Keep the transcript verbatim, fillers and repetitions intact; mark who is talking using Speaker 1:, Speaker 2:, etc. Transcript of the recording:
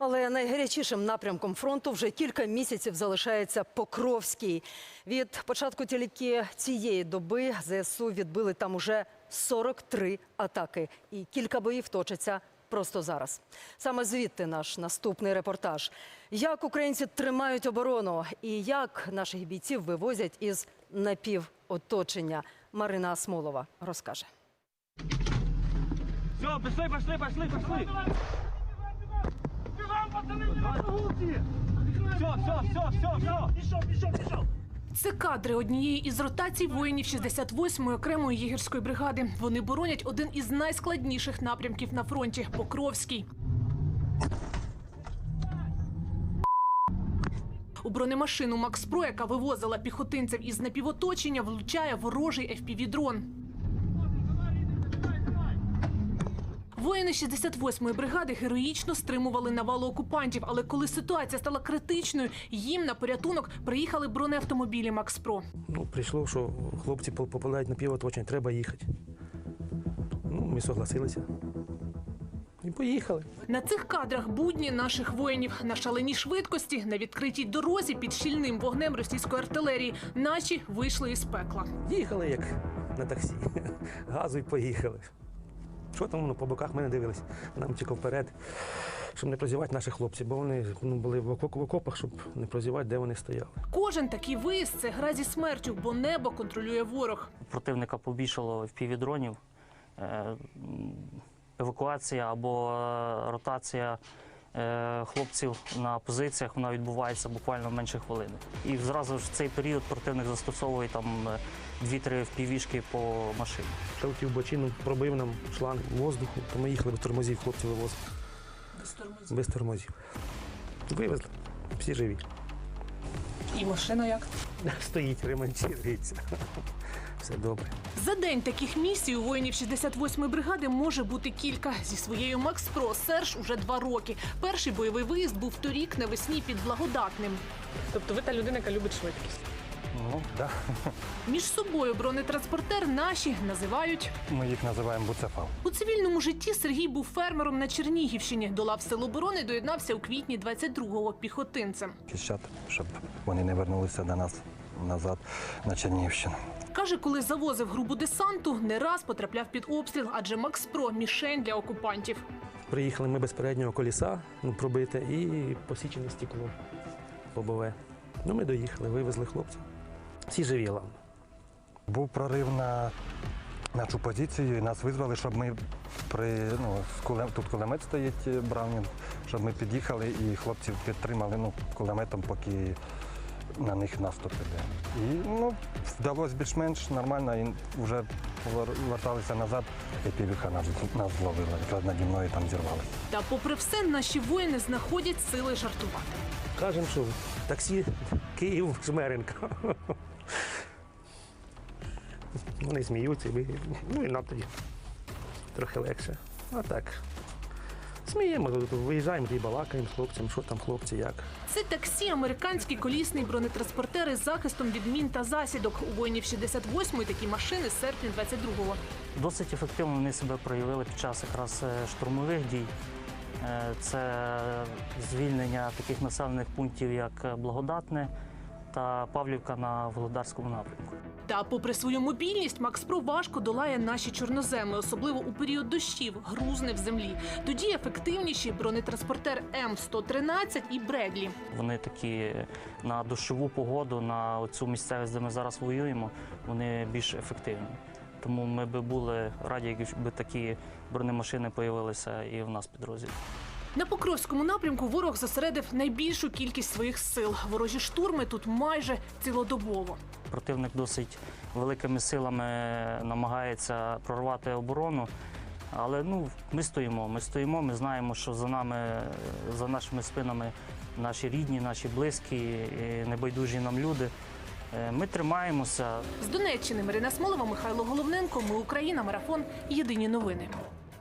Speaker 1: Але найгарячішим напрямком фронту вже кілька місяців залишається Покровський. Від початку тільки цієї доби ЗСУ відбили там уже сорок три атаки. І кілька боїв точаться просто зараз. Саме звідти наш наступний репортаж. Як українці тримають оборону і як наших бійців вивозять із напівоточення. Марина Асмолова розкаже.
Speaker 2: Все, пішли, пішли, пішли, пішли. Все, все, все, все, все. Пішов, пішов, пішов.
Speaker 3: Це кадри однієї із ротацій воїнів шістдесят восьмої окремої єгерської бригади. Вони боронять один із найскладніших напрямків на фронті – Покровський. У бронемашину «Макс Про», яка вивозила піхотинців із напівоточення, влучає ворожий еф пі ві-дрон. Воїни шістдесят восьмої бригади героїчно стримували навалу окупантів, але коли ситуація стала критичною, їм на порятунок приїхали бронеавтомобілі «Макс Про».
Speaker 4: Ну, прийшло, що хлопці попадають на півоточення, треба їхати. Ну, ми согласилися. І поїхали.
Speaker 3: На цих кадрах будні наших воїнів. На шаленій швидкості, на відкритій дорозі під щільним вогнем російської артилерії наші вийшли із пекла.
Speaker 4: Їхали, як на таксі. Газу і поїхали. Що там, ну, по боках ми не дивились. Нам тільки вперед, щоб не прозівати наших хлопців, бо вони ну, були в окопах, щоб не прозівати, де вони стояли.
Speaker 3: Кожен такий виїзд – це гра зі смертю, бо небо контролює ворог.
Speaker 5: Противника побільшало еф пі ві-дронів. Евакуація або ротація хлопців на позиціях, вона відбувається буквально менше хвилини. І зразу ж в цей період противник застосовує там дві-три еф пі ві-шки по машині.
Speaker 4: Прилетів в бочину, пробив нам шланг воздуху, то ми їхали без тормозів, хлопці вивозили.
Speaker 3: Без тормозів?
Speaker 4: Без тормозів. Вивезли, всі живі.
Speaker 3: І машина як?
Speaker 4: Стоїть, ремонтується. Все добре.
Speaker 3: За день таких місій у воїнів шістдесят восьмої бригади може бути кілька. Зі своєю «Макс Про» Серж уже два роки. Перший бойовий виїзд був торік навесні під Благодатним.
Speaker 6: Тобто ви та людина, яка любить швидкість?
Speaker 7: Ну, так.
Speaker 3: Між собою бронетранспортер наші називають...
Speaker 7: Ми їх називаємо буцефал.
Speaker 3: У цивільному житті Сергій був фермером на Чернігівщині. До лав Сил оборони доєднався у квітні двадцять другого піхотинцем.
Speaker 7: Захищати, щоб вони не вернулися до нас назад на Чернігівщину.
Speaker 3: Каже, коли завозив групу десанту, не раз потрапляв під обстріл, адже «Макс Про» – мішень для окупантів.
Speaker 4: Приїхали ми без переднього коліса, ну, пробите, і посічене стекло лобове. Ну, ми доїхали, вивезли хлопців. Всі живі, головне.
Speaker 7: Був прорив на нашу позицію, і нас визвали, щоб ми при, ну, тут кулемет стоїть, Браунінг, щоб ми під'їхали і хлопців підтримали ну, кулеметом, поки на них наступ іде. І ну, вдалося більш-менш нормально, і вже поверталися назад, і півіха нас, нас зловила, якраз наді мною там зірвалися.
Speaker 3: Та попри все, наші воїни знаходять сили жартувати.
Speaker 4: Кажемо, що таксі Київ-Жмеринка. Вони сміються, ми, ну і нам тоді трохи легше. А так, сміємо, виїжджаємо і балакаємо з хлопцями, що там хлопці, як.
Speaker 3: Це таксі – американський колісний бронетранспортер із захистом від мін та засідок. У воїнів шістдесят восьмої такі машини з серпня двадцять другого.
Speaker 5: Досить ефективно вони себе проявили під час якраз штурмових дій. Це звільнення таких населених пунктів, як Благодатне та Павлівка на Володарському напрямку.
Speaker 3: Та попри свою мобільність, «Макс Про» важко долає наші чорноземи, особливо у період дощів, грузне в землі. Тоді ефективніші бронетранспортер М сто тринадцять і «Бредлі».
Speaker 5: Вони такі на дощову погоду, на цю місцевість, де ми зараз воюємо, вони більш ефективні. Тому ми б були раді, якби такі бронемашини з'явилися і в нас під розділі.
Speaker 3: На Покровському напрямку ворог зосередив найбільшу кількість своїх сил. Ворожі штурми тут майже цілодобово.
Speaker 5: Противник досить великими силами намагається прорвати оборону, але ну, ми стоїмо, ми стоїмо, ми знаємо, що за нами, за нашими спинами наші рідні, наші близькі, небайдужі нам люди. Ми тримаємося.
Speaker 3: З Донеччини Марина Асмолова, Михайло Головненко. Ми Україна. Марафон. Єдині новини.